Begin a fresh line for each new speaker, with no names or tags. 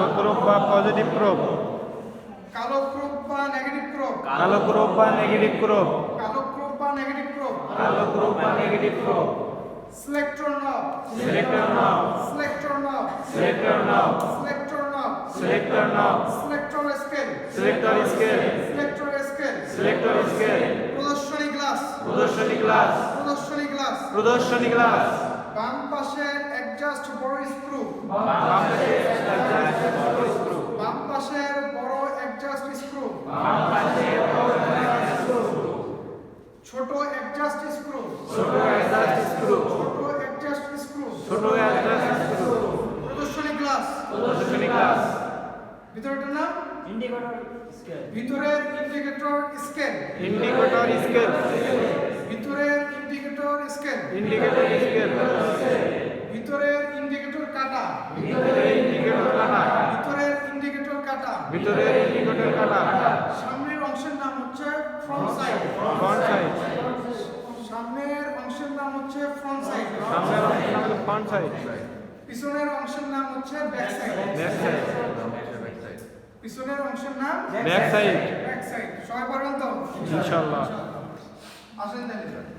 লাল probe বা positive probe,
কালো probe বা নেগেটিভ প্রোব,
কালো প্রোব বা নেগেটিভ প্রোব,
কালো প্রোব বা নেগেটিভ প্রোব,
কালো প্রোব বা negative probe,
selector knob,
selector knob,
selector knob,
selector knob,
selector knob,
selector knob,
selector scale,
selector scale,
selector scale,
selector scale,
প্রদর্শনী glass,
প্রদর্শনী glass,
প্রদর্শনী glass,
প্রদর্শনী glass,
বাম পাশের অ্যাডজাস্ট বড় স্ক্রু,
বাম পাশে অ্যাডজাস্ট বড় স্ক্রু,
বাম পাশের বড় অ্যাডজাস্ট স্ক্রু,
বাম পাশে বড় অ্যাডজাস্ট স্ক্রু,
ছোট অ্যাডজাস্ট স্ক্রু,
ছোট অ্যাডজাস্ট স্ক্রু,
ছোট অ্যাডজাস্ট স্ক্রু,
ছোট অ্যাডজাস্ট স্ক্রু,
প্রদর্শনী গ্লাস,
প্রদর্শনী গ্লাস,
ভিতরেটার নাম
ইন্ডিকেটর স্কেল,
ভিতরের ইন্ডিকেটর স্কেল,
ইন্ডিকেটর স্কেল,
ভিতরের ইন্ডিকেটর স্কেল,
ইন্ডিকেটর স্কেল,
ভিতরের ইন্ডিকেটর কাটা,
ভিতরের ইন্ডিকেটর কাটা,
ভিতরের ইন্ডিকেটর কাটা,
ভিতরের ইন্ডিকেটর কাটা,
সামনের অংশের নাম হচ্ছে ফ্রন্ট সাইড,
ফ্রন্ট সাইড,
সামনের অংশের নাম হচ্ছে ফ্রন্ট সাইড,
সামনের অংশের নাম হলো ফ্রন্ট সাইড,
পিছনের অংশের নাম হচ্ছে ব্যাক সাইড,
ব্যাক সাইড,
পিছনের অংশের নাম
ব্যাক সাইড,
ব্যাক সাইড। সবাই পারবেন তো?
ইনশাআল্লাহ।
আসেন তাহলে